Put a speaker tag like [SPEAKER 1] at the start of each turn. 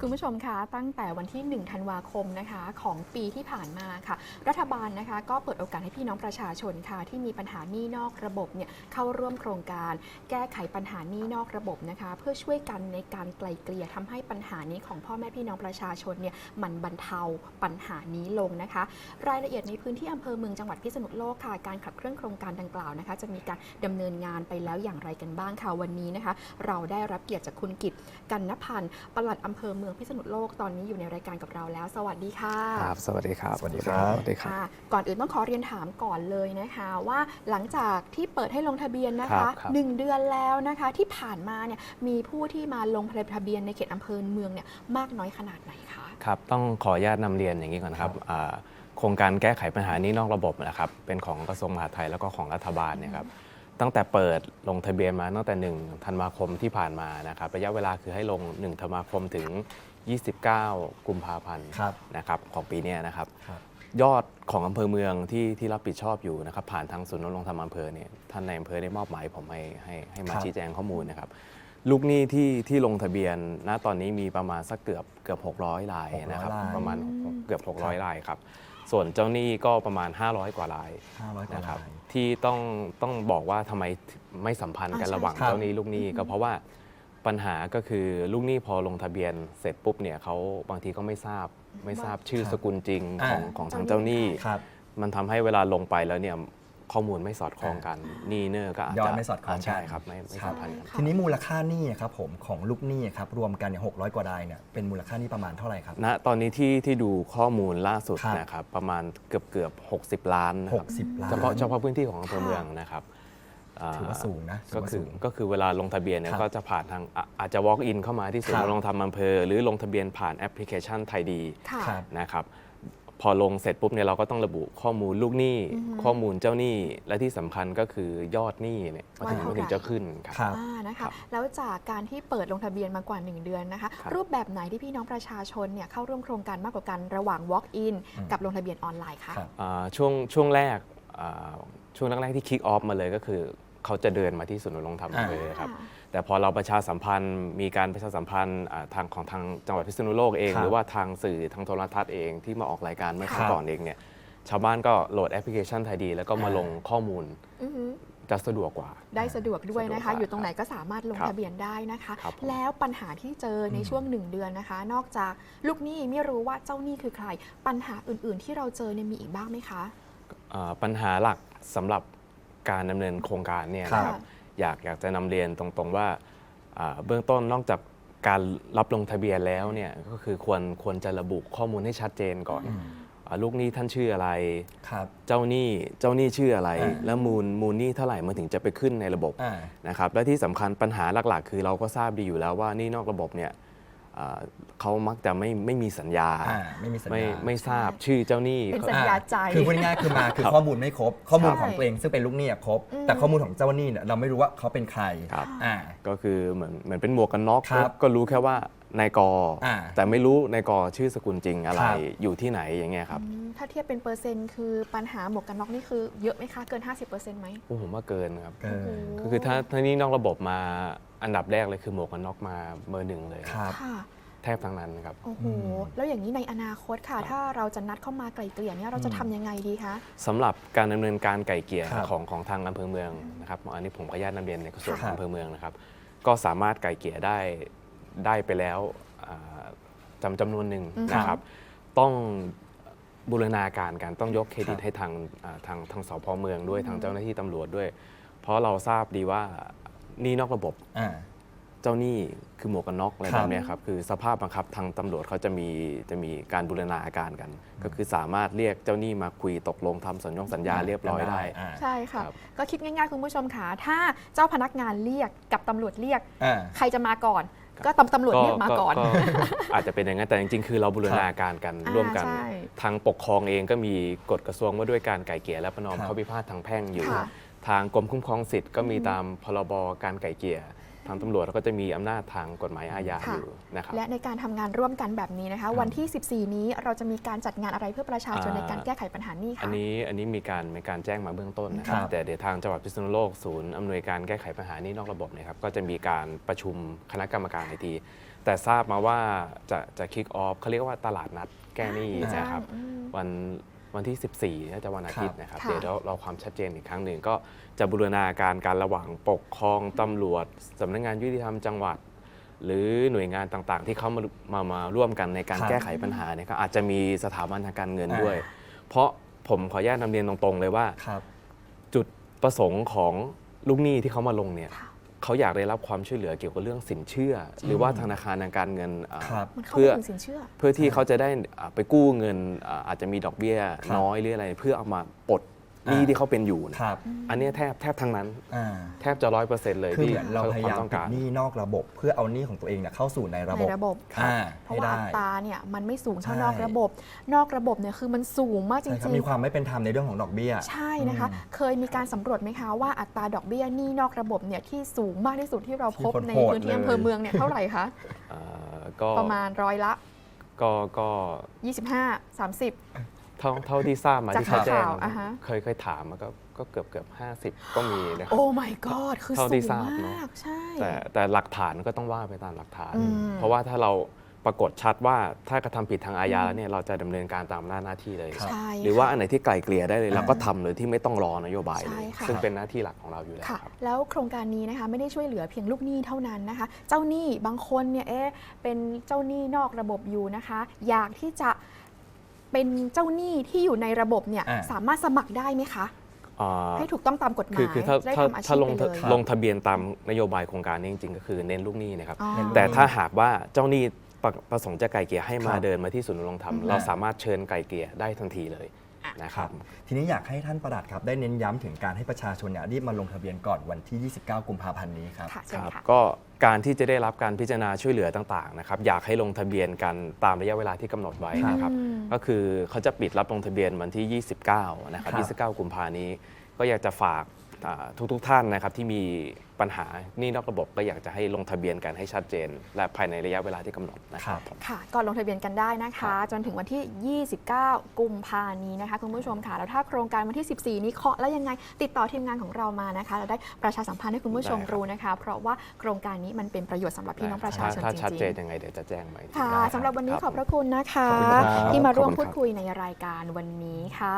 [SPEAKER 1] คุณผู้ชมคะตั้งแต่วันที่ 1 ธันวาคมนะคะของปีที่ผ่านมาค่ะรัฐบาลนะคะก็เปิดโอกาสให้พี่น้องประชาชนค่ะที่มีปัญหาหนี้นอกระบบเนี่ยเข้าร่วมโครงการแก้ไขปัญหาหนี้นอกระบบนะคะเพื่อช่วยกันในการไกล่เกลี่ยทำให้ปัญหานี้ของพ่อแม่พี่น้องประชาชนเนี่ยมันบรรเทาปัญหานี้ลงนะคะรายละเอียดในพื้นที่อำเภอเมืองจังหวัดพิษณุโลกค่ะการขับเคลื่อนโครงการดังกล่าวนะคะจะมีการดำเนินงานไปแล้วอย่างไรกันบ้างค่ะวันนี้นะคะเราได้รับเกียรติจากคุณกิตกันณพันธ์ปลัดอำเภอเมืองพิษณุโลกตอนนี้อยู่ในรายการกับเราแล้วสวัสดีค่ะ
[SPEAKER 2] ครับสวัสดีครับ
[SPEAKER 3] สวัสดีครับ
[SPEAKER 2] สวัสดีครับ
[SPEAKER 1] ก่อนอื่นต้องขอเรียนถามก่อนเลยนะคะว่าหลังจากที่เปิดให้ลงทะเบียนนะคะ1 เดือนแล้วนะคะที่ผ่านมาเนี่ยมีผู้ที่มาลงทะเบียนในเขตอำเภอเมืองเนี่ยมากน้อยขนาดไหนคะ
[SPEAKER 2] ครับต้องขออนุญาตนำเรียนอย่างนี้ก่อนครับโครงการแก้ไขปัญหานี้นอกระบบนะครับเป็นของกระทรวงมหาดไทยแล้วก็ของรัฐบาลเนี่ยครับตั้งแต่เปิดลงทะเบียนมาตั้งแต่1 ธันวาคมที่ผ่านมานะครับระยะเวลาคือให้ลง1 ธันวาคมถึง29 กุมภาพันธ์นะครับของปีนี้นะครับยอดของอำเภอเมืองที่รับผิดชอบอยู่นะครับผ่านทางศูนย์ดำรงธรรมอำเภอเนี่ยท่านในอำเภอได้มอบหมายผมให้มาชี้แจงข้อมูลนะครับลูกหนี้ที่ลงทะเบียนณตอนนี้มีประมาณสักเกือบ600 รายนะครับประมาณเกือบ600 รายครับส่วนเจ้าหนี้ก็ประมาณ500 กว่ารายนะครับที่ต้องบอกว่าทำไมไม่สัมพันธ์กันระหว่างเจ้าหนี้ลูกหนี้ก็เพราะว่าปัญหาก็คือลูกหนี้พอลงทะเบียนเสร็จปุ๊บเนี่ยเขาบางทีก็ไม่ทราบชื่อสกุลจริงของทางเจ้าหนี้มันทำให้เวลาลงไปแล้วเนี่ยข้อมูลไม่สอดคล้องกันหนี้เนอร์ก็อาจจะ
[SPEAKER 3] ไม่สอดคล้อง
[SPEAKER 2] ใช่ครับไม่สัมพันธ์กัน
[SPEAKER 3] ทีนี้มูลค่าหนี้ครับผมของลูกหนี้ครับรวมกันเนี่ย600 กว่ารายเนี่ยเป็นมูลค่าหนี้ประมาณเท่าไหร่ครับ
[SPEAKER 2] ณตอนนี้ที่ดูข้อมูลล่าสุดนะครับประมาณเกือบ60 ล้าน
[SPEAKER 3] 60 ล้าน
[SPEAKER 2] เฉพาะพื้นที่ของอำเภอเมืองนะครับ
[SPEAKER 3] ถือว่าสูงนะ
[SPEAKER 2] ก็คือเวลาลงทะเบียนเนี่ยก็จะผ่านทางอาจจะ walk in เข้ามาที่ศูนย์ดำรงธรรมอำเภอหรือลงทะเบียนผ่านแอปพลิเคชันไทยดีนะครับพอลงเสร็จปุ๊บเนี่ยเราก็ต้องระบุข้อมูลลูกหนี้ข้อมูลเจ้าหนี้และที่สำคัญก็คือยอดหนี้เนี่ยมันถึงจะขึ้น
[SPEAKER 1] ครับนะคะแล้วจากการที่เปิดลงทะเบียนมากว่า1 เดือนนะคะรูปแบบไหนที่พี่น้องประชาชนเนี่ยเข้าร่วมโครงการมากกว่ากันระหว่าง walk in กับลงทะเบียนออนไลน์คะ
[SPEAKER 2] ช่วงแรกที่ kick off มาเลยก็คือเขาจะเดินมาที่ศูนย์ดำรงธรรมอำเภอครับแต่พอเราประชาสัมพันธ์มีการประชาสัมพันธ์ทางจังหวัดพิษณุโลกเองหรือว่าทางสื่อทางโทรทัศน์เองที่มาออกรายการเมื่อครั้งก่อนเองเนี่ยชาวบ้านก็โหลดแอปพลิเคชันไทยดีแล้วก็มาลงข้อมูลจะสะดวกกว่า
[SPEAKER 1] ได้สะดวกด้วยนะคะอยู่ตรงไหนก็สามารถลงทะเบียนได้นะคะแล้วปัญหาที่เจอในช่วง1 เดือนนะคะนอกจากลูกหนี้ไม่รู้ว่าเจ้าหนี้คือใครปัญหาอื่นๆที่เราเจอเนี่ยมีอีกบ้างไหมคะ
[SPEAKER 2] ปัญหาหลักสำหรับการดำเนินโครงการเนี่ยนะครับอยากจะนำเรียนตรงๆว่าเบื้องต้นนอกจากการรับลงทะเบียนแล้วเนี่ยก็คือควรจะระบุข้อมูลให้ชัดเจนก่อนลูกหนี้ท่านชื่ออะไรเจ้าหนี้ชื่ออะไรแล้วมูลหนี้เท่าไหร่มันถึงจะไปขึ้นในระบบนะครับและที่สำคัญปัญหาหลักๆคือเราก็ทราบดีอยู่แล้วว่าหนี้นอกระบบเนี่ยเขามักจะไม่มีสัญญาไม่ทราบชื่อเจ้าหนี้
[SPEAKER 1] เป็นสัญญาใจ
[SPEAKER 3] คือพูดง่ายๆคือข้อมูลไม่ครบข้อมูลของตัวเองซึ่งเป็นลูกหนี้ครบแต่ข้อมูลของเจ้าหนี้เนี่ยเราไม่รู้ว่าเขาเป็นใคร
[SPEAKER 2] ก็คือเหมือนเป็นหมวกกันน็อกก็รู้แค่ว่านายกแต่ไม่รู้นายกชื่อสกุลจริงอะไรอยู่ที่ไหนอย่างเงี้ยครับ
[SPEAKER 1] ถ้าเทียบเป็นเปอร์เซ็นต์คือปัญหาหมวกกันน็อกนี่คือเยอะไหมคะเกิน 50% ไหม
[SPEAKER 2] ผมว่าเกินครับก็คือถ้านี่นอกระบบมาอันดับแรกเลยคือหมวกกันน็อกมาเบอร์ 1เลยแทบทั้งนั้นครับ
[SPEAKER 1] โอ้โหแล้วอย่างนี้ในอนาคตค่ะถ้าเราจะนัดเข้ามาไกล่เกลี่ยเนี่ยเราจะทำยังไงดีคะ
[SPEAKER 2] สำหรับการดำเนินการไกล่เกลี่ยของทางอำเภอเมืองนะครับอันนี้ผมขออนุญาตนำเรียนในส่วนของอำเภอเมืองนะครับก็สามารถไกล่เกลี่ยได้ไปแล้วจำนวนหนึ่งนะครับต้องบูรณาการกันต้องยกเครดิตให้ทางสพเมืองด้วยทางเจ้าหน้าที่ตำรวจด้วยเพราะเราทราบดีว่านี่นอกระบบเจ้าหนี้คือหมวกกันน็อกอะไรแบบนี้ครับคือสภาพบังคับทางตำรวจเขาจะมีการบูรณาการกันก็คือสามารถเรียกเจ้าหนี้มาคุยตกลงทำสัญญาเรียบร้อยได้
[SPEAKER 1] ใช่ค่ะก็คิดง่ายๆคุณผู้ชมค่ะถ้าเจ้าพนักงานเรียกกับตำรวจเรียกใครจะมาก่อนก็ตำรวจเรียกมาก่อน
[SPEAKER 2] อาจจะเป็นอย่างนั้นแต่จริงๆคือเราบูรณาการกันร่วมกันทางปกครองเองก็มีกฎกระทรวงว่าด้วยการไกล่เกลี่ยและประนอมข้อพิพาททางแพ่งอยู่ทางกรมคุ้มครองสิทธิ์ก็มีตามพรบการไกล่เกลี่ยทางตำรวจเราก็จะมีอำนาจทางกฎหมายอาญา
[SPEAKER 1] ค่ะ
[SPEAKER 2] อยู่นะครับ
[SPEAKER 1] และในการทำงานร่วมกันแบบนี้นะคะ วันที่ 14 นี้เราจะมีการจัดงานอะไรเพื่อประชาชนในการแก้ไขปัญหานี้
[SPEAKER 2] อัน
[SPEAKER 1] คะ
[SPEAKER 2] นี้มีการแจ้งมาเบื้องต้นนะครับ
[SPEAKER 3] ครับ
[SPEAKER 2] แต่เดี๋ยวทางจังหวัดพิษณุโลกศูนย์อำนวยการแก้ไขปัญหานี้นอกระบบเนี่ยครับก็จะมีการประชุมคณะกรรมการอีกทีแต่ทราบมาว่าจะคิกออฟเขาเรียกว่าตลาดนัดแก้หนี้นะครับ วันที่ 14น่าจะวันอาทิตย์นะครับ
[SPEAKER 1] ค่ะ
[SPEAKER 2] เดี๋ยวเราความชัดเจนอีกครั้งหนึ่งก็จะบูรณาการระหว่างปกครองตำรวจสำนักงานยุติธรรมจังหวัด หรือหน่วยงานต่างๆ ที่เขามาร่วมกันในการ
[SPEAKER 3] ครับ
[SPEAKER 2] แก้ไขปัญหาเนี่ยก็อาจจะมีสถาบันทางการเงินด้วย เพราะผมขออนุญาตนำเรียนตรงๆเลยว่า
[SPEAKER 3] ครับ
[SPEAKER 2] จุดประสงค์ของลูกหนี้ที่เขามาลงเนี่ย
[SPEAKER 1] ค่ะ
[SPEAKER 2] เขาอยากได้รับความช่วยเหลือเกี่ยวกับเรื่องสินเชื่อ หรือว่าธนาคารทางการเงิน
[SPEAKER 3] ครับ
[SPEAKER 1] มันเข้า
[SPEAKER 2] เพื่อ
[SPEAKER 1] ไปถึงสินเชื่อ
[SPEAKER 2] เพื่อที่เขาจะได้ไปกู้เงินอาจจะมีดอกเบี้ย
[SPEAKER 3] ครับ
[SPEAKER 2] น้อยหรืออะไรเพื่อเอามาปลดหนี้ที่เขาเป็นอยู่นะครับ อันเนี้ยแทบทั้งนั้น
[SPEAKER 3] อ่า
[SPEAKER 2] แทบจะ 100%เลย
[SPEAKER 3] คือ
[SPEAKER 2] ที่
[SPEAKER 3] เหมือนเราพยายาม
[SPEAKER 2] ต้อง
[SPEAKER 3] ปิด
[SPEAKER 2] การ
[SPEAKER 3] หนี้นอกระบบ เพื่อเอาหนี้ของตัวเองเนี่ยเข้าสู่ในระบบ
[SPEAKER 1] ในระบบ
[SPEAKER 3] อ่า
[SPEAKER 1] เพราะ
[SPEAKER 3] ให้
[SPEAKER 1] ว่า
[SPEAKER 3] ได้
[SPEAKER 1] อัตราเนี่ยมันไม่สูงเท่า
[SPEAKER 3] ใช่
[SPEAKER 1] นอกระบบ นอกระบบเนี่ยคือมันสูงมากจ
[SPEAKER 3] ใช่ครับ
[SPEAKER 1] ริง
[SPEAKER 3] มีความไม่เป็นธรรมในเรื่องของดอกเบี้ย
[SPEAKER 1] ๆ ใช่นะคะ เคยมีการสำรวจไหมคะว่าอัตราดอกเบี้ยหนี้นอกระบบเนี่ยที่สูงมากที่สุดที่เราพบ
[SPEAKER 3] ที่
[SPEAKER 1] ใน
[SPEAKER 3] โหดๆ
[SPEAKER 1] พื้นที่
[SPEAKER 3] เลย
[SPEAKER 1] อำเภอเมืองเนี่ยเท่าไหร่คะ
[SPEAKER 2] ก็
[SPEAKER 1] ประมาณร้อยละ
[SPEAKER 2] ก็
[SPEAKER 1] 25 30
[SPEAKER 2] เท่าที่ทราบมา
[SPEAKER 1] จาก
[SPEAKER 2] ที่เขาแจ้ง
[SPEAKER 1] ข่าวอ่ะฮะ
[SPEAKER 2] เคยถามมาก็เกือบ50 ก็มีนะครับ
[SPEAKER 1] โอ้ my god คือ
[SPEAKER 2] เท่า
[SPEAKER 1] สู
[SPEAKER 2] ที่
[SPEAKER 1] ง
[SPEAKER 2] ทราบเนอะ
[SPEAKER 1] มากใช่
[SPEAKER 2] แต่หลักฐานก็ต้องว่าไปตามหลักฐาน
[SPEAKER 1] อืม
[SPEAKER 2] เพราะว่าถ้าเราปรากฏชัดว่าถ้ากระทำผิดทางอาญาแล้วเนี่ยเราจะดำเนินการตามหน้าที่เลย
[SPEAKER 3] ครับ
[SPEAKER 1] ใช่
[SPEAKER 2] หรือว่า
[SPEAKER 1] ค่ะ
[SPEAKER 2] อันไหนที่ไกลเกลี่ยได้เลยเราก็ทำเลยที่ไม่ต้องรอนโยบาย
[SPEAKER 1] ใช่
[SPEAKER 2] เลย
[SPEAKER 1] ค่ะ
[SPEAKER 2] ซึ่งเป็นหน้าที่หลักของเราอยู่แล้ว
[SPEAKER 1] ค่ะ
[SPEAKER 2] ครับ
[SPEAKER 1] แล้วโครงการนี้นะคะไม่ได้ช่วยเหลือเพียงลูกหนี้เท่านั้นนะคะ เจ้าหนี้บางคนเนี่ยเป็นเจ้าหนี้นอกระบบอยู่นะคะ อยากที่จะเป็นเจ้าหนี้ที่อยู่ในระบบเนี่ย
[SPEAKER 3] อ่า
[SPEAKER 1] สามารถสมัครได้ไหมคะ
[SPEAKER 2] อ่า
[SPEAKER 1] ให้ถูกต้องตามกฎหมาย
[SPEAKER 2] คือถ้า
[SPEAKER 1] จะได้ทำอาชี
[SPEAKER 2] ถ้า
[SPEAKER 1] พ
[SPEAKER 2] ลง
[SPEAKER 1] ไปเลย
[SPEAKER 2] ลงทะเบียนตามนโยบายโครงการนี้จริงๆ ก็คือเน้นลูกหนี้นะครับ
[SPEAKER 1] อ๋อ
[SPEAKER 3] เน้นลูก
[SPEAKER 2] แต่ถ้าหากว่าเจ้าหนี้ประสงค์จะไกลเกลี่ยให้มา
[SPEAKER 3] ครับ
[SPEAKER 2] เดินมาที่ศูนย์ดำรงธรรม
[SPEAKER 1] อืม
[SPEAKER 2] เราสามารถเชิญไกลเกลี่ยได้ทันทีเลย
[SPEAKER 1] อ่ะ
[SPEAKER 2] นะครับ
[SPEAKER 3] ทีนี้อยากให้ท่านปลัดครับได้เน้นย้ำถึงการให้ประชาชนเนี่ยรีบมาลงทะเบียนก่อนวันที่ 29 กุมภาพันธ์นี้ครับ
[SPEAKER 1] ค่ะเชิญ
[SPEAKER 2] ครับ
[SPEAKER 1] ค่ะ
[SPEAKER 2] ก็การที่จะได้รับการพิจารณาช่วยเหลือต่างๆนะครับอยากให้ลงทะเบียนกันตามระยะเวลาที่กำหนดไว้นะครับ
[SPEAKER 1] อืม
[SPEAKER 2] ก็คือเขาจะปิดรับลงทะเบียนวันที่ 29 นะครับ
[SPEAKER 3] ครับ
[SPEAKER 2] 29 กุมภานี้ ก็อยากจะฝากทุกท่านนะครับที่มีปัญหาหนี้นอกระบบก็อยากจะให้ลงทะเบียนกันให้ชัดเจน และภายในระยะเวลาที่กำหนดนะครับ
[SPEAKER 1] ค่ะก่อนลงทะเบียนกันได้นะคะ จนถึงวันที่ 29 กุมภานี้นะคะคุณผู้ชมค่ะ แล้วถ้าโครงการวันที่ 14 นี้เคาะแล้วยังไงติดต่อทีมงานของเรามานะคะเราได้ประชาสัมพันธ์ให้คุณผู้ชม
[SPEAKER 2] ได้ครับ
[SPEAKER 1] รู้นะคะ เพราะว่าโครงการนี้มันเป็นประโยชน์สำหรับพี่น้องประชาชน
[SPEAKER 2] ถ้า
[SPEAKER 1] จ
[SPEAKER 2] ชัด
[SPEAKER 1] ริง
[SPEAKER 2] เจนยังไงเดี๋ยวจะแจ้งไป
[SPEAKER 1] ๆค่ะ
[SPEAKER 2] ได้
[SPEAKER 1] สำหรับวันนี้
[SPEAKER 2] ค
[SPEAKER 1] ขอบพระคุณนะคะ
[SPEAKER 3] ขอบคุณครับ
[SPEAKER 1] ที่มาร่วม
[SPEAKER 2] ขอบคุณครับ
[SPEAKER 1] พูดคุยในรายการวันนี้ค่ะ